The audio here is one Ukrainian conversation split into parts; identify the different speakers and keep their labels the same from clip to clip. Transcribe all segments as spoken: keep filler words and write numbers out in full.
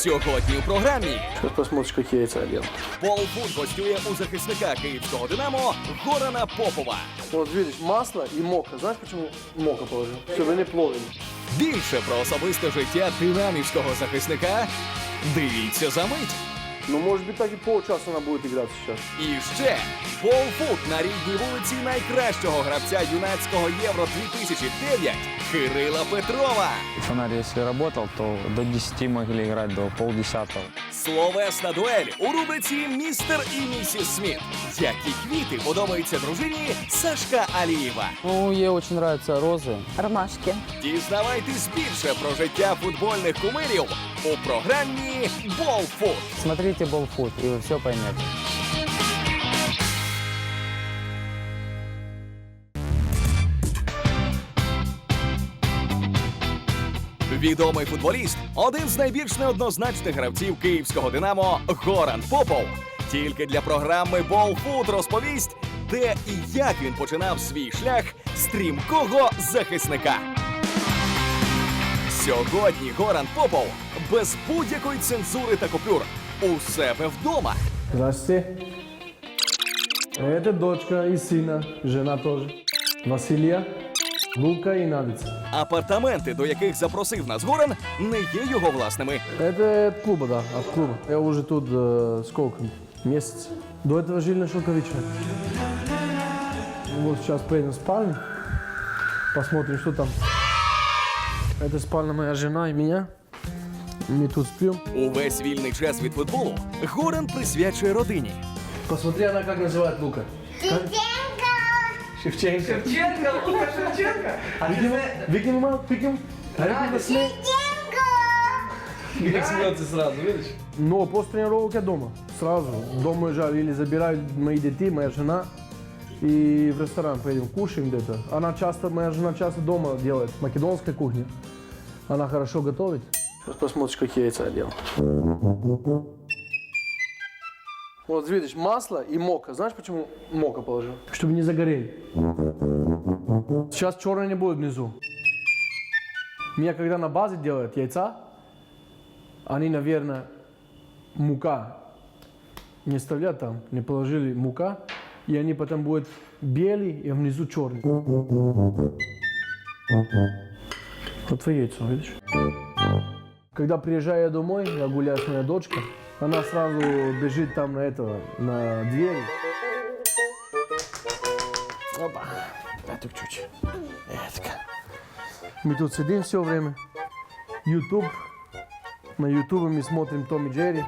Speaker 1: Сьогодні у програмі
Speaker 2: Сейчас посмотришь, как я яйца ел.
Speaker 1: Болфут гостює у захисника київського «Динамо» Горана Попова.
Speaker 2: Вот видишь, масло и мока. Знаешь, почему мока положил? Чтобы они плавали.
Speaker 1: Більше про особисте життя динамівського захисника дивіться за мить.
Speaker 2: Ну, может быть, так и полчаса она будет играть сейчас.
Speaker 1: І ще Болфут на рідній вулиці найкращого гравця юнацького Євро дві тисячі дев'ять Кирила Петрова.
Speaker 3: Фонарь, если работал, то до десяти могли играть, до полдесятого.
Speaker 1: Словесна дуель у рубриці «Містер і місіс Сміт». Які квіти подобаються дружині Сашка Алієва.
Speaker 3: Ну, ей очень нравятся розы.
Speaker 4: Ромашки.
Speaker 1: Дізнавайтесь більше про життя футбольних кумирів у програмі «Болфут».
Speaker 3: Смотрите Болфут, и вы все поймете.
Speaker 1: Відомий футболіст – один з найбільш неоднозначних гравців київського «Динамо» Горан Попов. Тільки для програми «Болфут» розповість, де і як він починав свій шлях стрімкого захисника. Сьогодні Горан Попов без будь-якої цензури та купюр у себе вдома.
Speaker 2: Здравствуйте. Это дочка и сына, жена тоже. Василия, Лука и Надица.
Speaker 1: Апартаменти, до яких запросив нас Горан, не є його власними.
Speaker 2: Это от клуба, да, от клуба. Я уже тут э, сколько? Месяц. До этого жили на Шелковичной. Вот сейчас поедем в спальню, посмотрим, что там. Это спальня моя жена и меня. Мы тут спим.
Speaker 1: Увесь вільний час від футболу Горан присвячує родині.
Speaker 2: Посмотри, она как называет Лука. Шевченко. Шевченко.
Speaker 5: Шевченко, Лука Шевченко. А
Speaker 2: Викинь, викинь, мама, викинь.
Speaker 5: Шевченко. Как смеется сразу, видишь?
Speaker 2: Но после тренировок я дома. Сразу. Дома уезжаю или забирают мои детей, моя жена. И в ресторан поедем, кушаем где-то. Она часто, моя жена часто дома делает, македонская кухня. Она хорошо готовит. Сейчас посмотришь, как я яйца делал. Вот видишь, масло и мока. Знаешь, почему мока положил? Чтобы не загорели. Сейчас черное не будет внизу. Меня когда на базе делают яйца, они, наверное, мука не оставляют там, не положили мука, и они потом будут белые, и внизу черный. Вот твои яйца, видишь? Когда приезжаю я домой, я гуляю с моей дочкой, она сразу бежит там на этого, на двери. Опа, это чуть. Это. Мы тут сидим все время. YouTube. На YouTube мы смотрим Том и Джерри.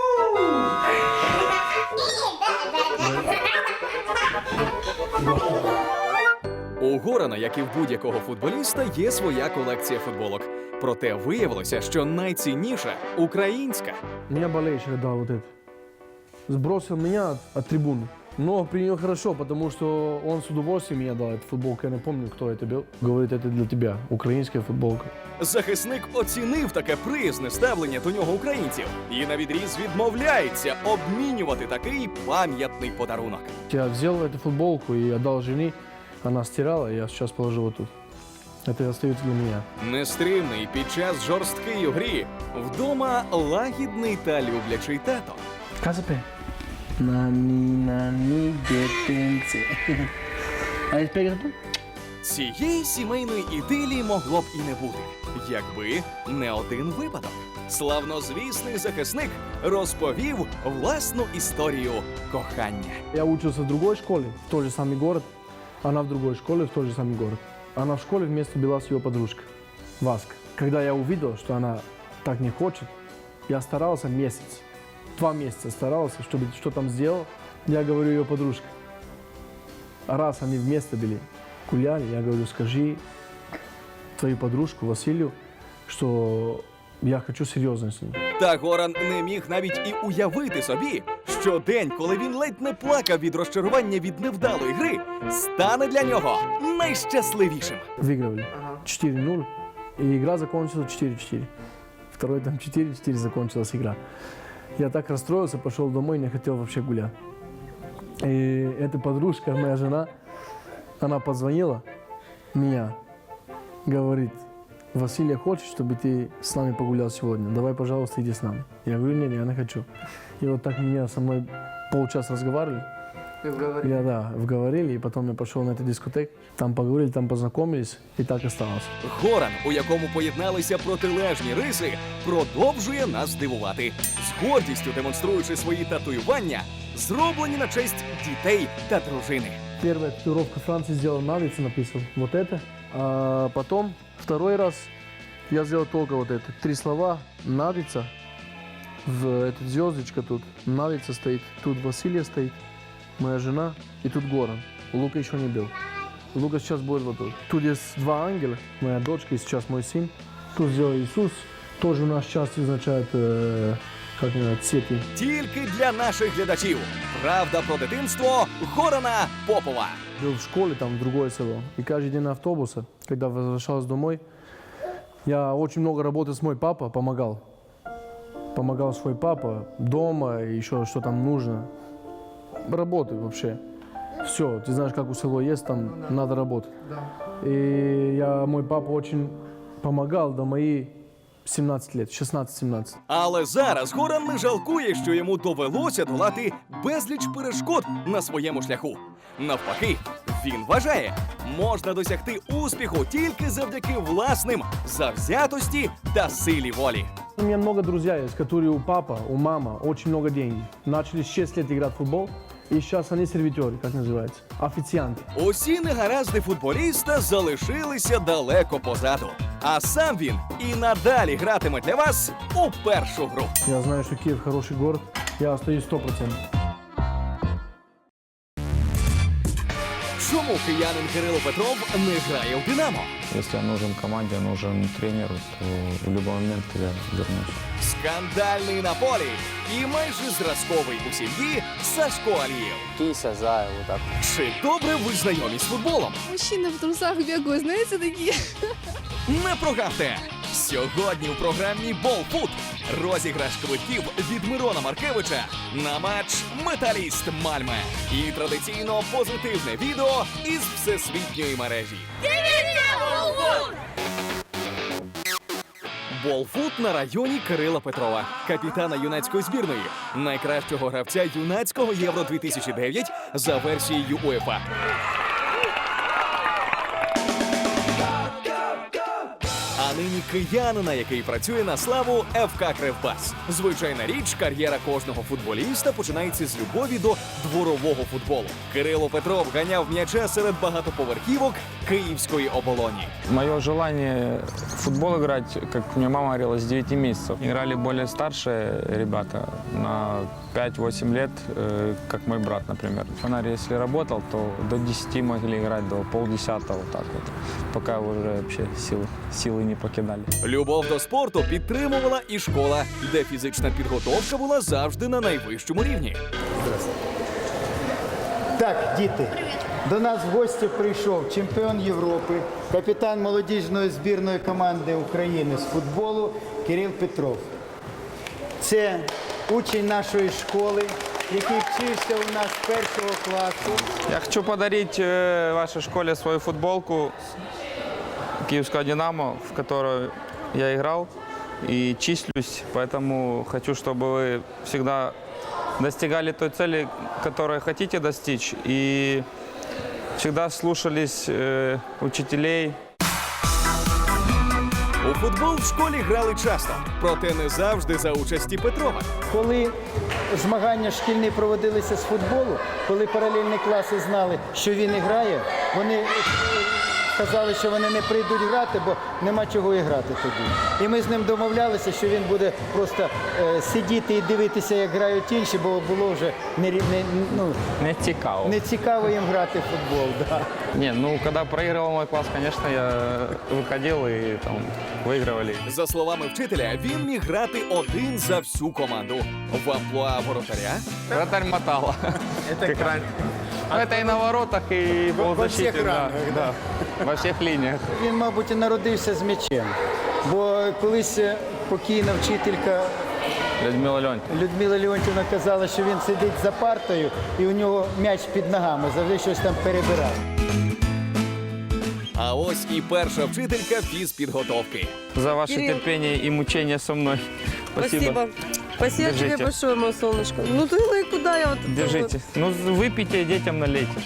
Speaker 1: У Горана, як і в будь-якого футболіста, є своя колекція футболок. Проте виявилося, що найцінніша – українська.
Speaker 2: Меня болельщик дал вот это. Сбросил меня от, от трибуны. Но принял хорошо, потому что он с удовольствием меня дал эту футболку. Я не помню, кто это был. Говорит, это для тебя. Украинская футболка.
Speaker 1: Захисник оцінив таке приязне ставлення до нього українців і навідріз відмовляється обмінювати такий пам'ятний подарунок.
Speaker 2: Я взял эту футболку и отдал жене. Она стирала, и я сейчас положил вот тут. Это остается для меня.
Speaker 1: Нестримний під час жорсткої грі, вдома лагідний та люблячий тато.
Speaker 2: Казапе. Нани, нани, детенце. А теперь это?
Speaker 1: Цієї сімейної ідилії могло б і не бути, якби не один випадок. Славнозвісний захисник розповів власну історію кохання.
Speaker 2: Я учился в другой школе, в тот же самый город. Она в другой школе, в тот же самый город. Она в школе вместе была с ее подружкой, Васка. Когда я увидел, что она так не хочет, я старался месяц, два месяца старался, чтобы что там сделал. Я говорю ее подружке. А раз они вместе были, гуляли, я говорю, скажи твою подружку Василию, что я хочу серйозно з ним.
Speaker 1: Та Горан не міг навіть і уявити собі, що день, коли він ледь не плакав від розчарування від невдалої гри, стане для нього найщасливішим.
Speaker 2: Выигрывали четыре ноль, и игра закончилась четыре четыре. Второй там четыре четыре закончилась игра. Я так расстроился, пошел домой, не хотел вообще гулять. И эта подружка, моя жена, она позвонила меня, говорит, Василия хочет, чтобы ты с нами погулял сегодня. Давай, пожалуйста, иди с нами. Я говорю, нет, я не хочу. И вот так меня со мной полчаса разговаривали. Я, да, вговорили, и потом я пошел на эту дискотеку. Там поговорили, там познакомились, и так осталось.
Speaker 1: Горан, у якому поєдналися протилежні риси, продовжує нас дивувати, з гордістю демонструючи свої татуювання, зроблені на честь дітей та дружини.
Speaker 2: Первая татуировка Франции сделал на лице, написал вот это. А потом, второй раз, я сделал только вот это. Три слова «Надица». В эта звездочка тут. Надица стоит. Тут Василия стоит. Моя жена. И тут Горан. Лука еще не был. Лука сейчас будет вот тут. Тут есть два ангела. Моя дочка и сейчас мой сын. Тут сделал Иисус. Тоже у нас часто означает, э, как называется, цветы.
Speaker 1: Тільки для наших глядачів. Правда про дитинство Горана Попова.
Speaker 2: Был в школе, там, в другое село. И каждый день на автобусе, когда возвращался домой, я очень много работал с мой папа, помогал. Помогал свой папа дома, и еще что там нужно. Работай вообще. Все, ты знаешь, как у село есть, там надо работать. И я, мой папа очень помогал до моих сімнадцять лет, шістнадцять-сімнадцять.
Speaker 1: Але зараз Горан не жалкує, що йому довелося долати безліч перешкод на своєму шляху. Навпаки, він вважає, можна досягти успіху тільки завдяки власним завзятості та силі волі.
Speaker 2: У меня много друзей есть, которые у папа, у мама очень много денег. Начали с шести лет играть в футбол, и сейчас они сервитеры, как называется, официанты.
Speaker 1: Усі негаразди футболіста залишилися далеко позаду. А сам він і надалі гратиме для вас у першу гру.
Speaker 2: Я знаю, что Киев хороший город, я остаюсь сто процентов.
Speaker 1: Чому киянин Кирило Петров не грає в «Динамо»?
Speaker 3: Если я нужен команде, нужен тренер, то в любой момент я вернусь.
Speaker 1: Скандальний на полі і майже зразковий у сім'ї Сашко Алієв.
Speaker 3: Кися, зая, вот так.
Speaker 1: Чи добре ви знайомі з футболом?
Speaker 4: Мужчины в трусах бегают, знаете, такие.
Speaker 1: Не прогавте! Сьогодні у програмі «Болфут» розіграш квитків від Мирона Маркевича на матч «Металіст Мальме» і традиційно позитивне відео із всесвітньої мережі. Болфут на районі Кирила Петрова, капітана юнацької збірної, найкращого гравця юнацького Євро дві тисячі дев'ять за версією УЄФА. А нині киянина, який працює на славу еф ка Кривбас. Звичайна річ, кар'єра кожного футболіста починається з любові до дворового футболу. Кирило Петров ганяв м'яча серед багатоповерхівок Київської оболоні.
Speaker 3: Мое желание в футбол играть, как мне мама говорила, с девяти месяцев. Играли более старшие ребята на пять-восемь лет, э, как мой брат, например. Фонарь, если работал, то до десяти могли играть, до полдесятого, вот так вот. Пока уже вообще силы, силы не покидали.
Speaker 1: Любов до спорту підтримувала і школа, де фізична підготовка була завжди на найвищому рівні.
Speaker 6: Так, діти, до нас в гості прийшов чемпіон Європи, капітан молодіжної збірної команди України з футболу Кирил Петров. Це учень нашої школи, який вчився у нас з першого класу.
Speaker 3: Я хочу подарить э, вашей школе свою футболку Киевского «Динамо», в которой я играл и числюсь. Поэтому хочу, чтобы вы всегда достигали той цели, которую хотите достичь, и всегда слушались э, учителей.
Speaker 1: У футбол в школі грали часто, проте не завжди за участі Петрова.
Speaker 6: Коли змагання шкільні проводилися з футболу, коли паралельні класи знали, що він і грає, вони казали, що вони не прийдуть грати, бо нема чого і грати тоді. І ми з ним домовлялися, що він буде просто е, сидіти і дивитися, як грають інші, бо було вже не, не, ну,
Speaker 3: Не цікаво.
Speaker 6: не цікаво їм грати в футбол. Да.
Speaker 3: Не, ну когда проигрывал мой класс, конечно, я выходил и там выигрывали.
Speaker 1: За словами вчителя, він міг грати один за всю команду. В амплуа воротаря
Speaker 3: Вратарь мотала. Как раньше. Ну, это и на воротах, и
Speaker 6: Во- во
Speaker 3: полузащите.
Speaker 6: всех
Speaker 3: да,
Speaker 6: рангах,
Speaker 3: да. Во всех линиях.
Speaker 6: Він, мабуть, і народився з м'ячем. Бо колись покійна вчителька
Speaker 3: Людмила Леонтьевна.
Speaker 6: Людмила Леонтівна казала, що він сидить за партою і у нього м'яч під ногами, завжди щось там перебирав.
Speaker 1: А ось і перша вчителька фізпідготовки.
Speaker 3: За ваше
Speaker 7: Кирилл.
Speaker 3: терпение и мучение со мной. Спасибо.
Speaker 7: Спасибо. Спасибо
Speaker 3: Держите.
Speaker 7: тебе большое, мое солнышко. Ну ты ну и куда я вот это
Speaker 3: Держите. Ну, выпейте и детям налейте.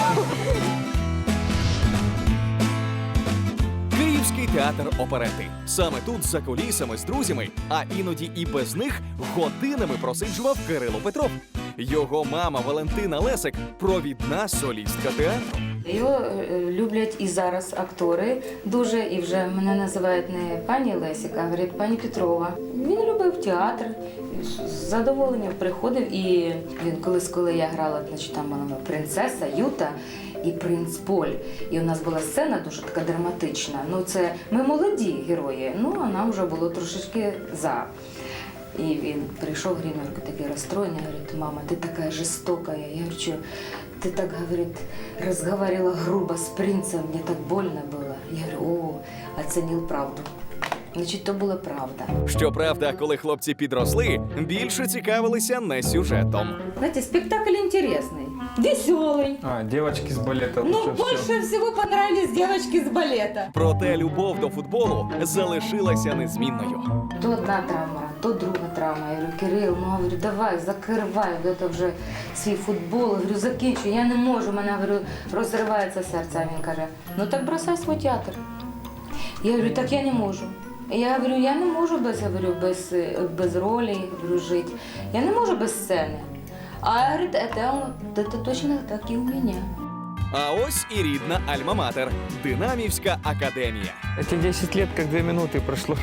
Speaker 1: Київський театр оперети. Саме тут, за кулісами з друзями, а іноді і без них, годинами просиджував Кирило Петров. Його мама Валентина Лесик – провідна солістка театру.
Speaker 8: Його е, люблять і зараз актори дуже, і вже мене називають не пані Лесіка, а говорять пані Петрова. Він любив театр, з задоволенням приходив. І він колись, коли я грала, значить, там була принцеса Юта і принц Поль. І у нас була сцена дуже така драматична. Ну, це ми молоді герої, ну а нам вже було трошечки за. І він прийшов, гримерка такий розстроєний, говорить, мама, ти така жорстока. Я говорю, що ти так, говорить, розговаривала грубо з принцем, мені так больно було. Я говорю, о, оцінив правду. Значить, то була правда.
Speaker 1: Щоправда, коли хлопці підросли, більше цікавилися не сюжетом.
Speaker 8: Знаєте, спектакль інтересний, веселий.
Speaker 3: А, девочки с балета.
Speaker 8: Ну, більше всього понравились дівчатки з балета.
Speaker 1: Проте любов до футболу залишилася незмінною.
Speaker 8: То одна травма, то друга травма. Я говорю, Кирил, ну, говорю, давай, закривай це вже свій футбол. Я говорю, закінчуй, я не можу. У мене, говорю, розривається серце. А він каже, ну так бросай свій театр. Я говорю, так я не можу. Я говорю, я не можу без, говорю, без, без ролі, говорю, жити. Я не можу без сцени. А говорить, это, это точно так і у мене.
Speaker 1: А ось і рідна Альма-Матер – Динамівська академія.
Speaker 3: Эти десять лет как две минуты прошло.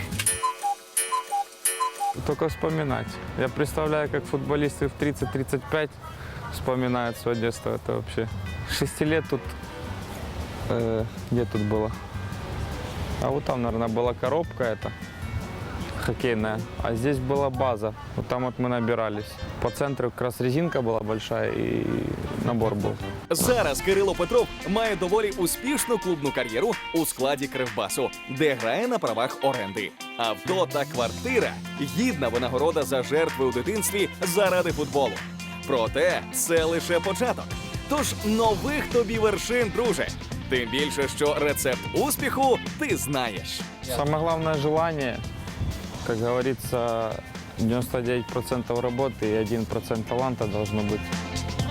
Speaker 3: Только вспоминать. Я представляю, как футболисты в тридцать-тридцать пять вспоминают свое детство. Это вообще... Шести лет тут... э, где тут было? А вот там, наверное, была коробка эта хоккейная, а здесь была база. Вот там вот мы набирались. По центру как раз резинка была большая и набор был.
Speaker 1: Зараз Кирило Петров має доволі успішну клубну кар'єру у складі Кривбасу, де грає на правах оренди. Авто та квартира – гідна винагорода за жертви у дитинстві заради футболу. Проте це лише початок. Тож нових тобі вершин, друже. Тим більше, що рецепт успіху ти знаєш.
Speaker 3: Самое главное желание, как говорится, девяносто девять процентов работы и один процент таланта должно быть.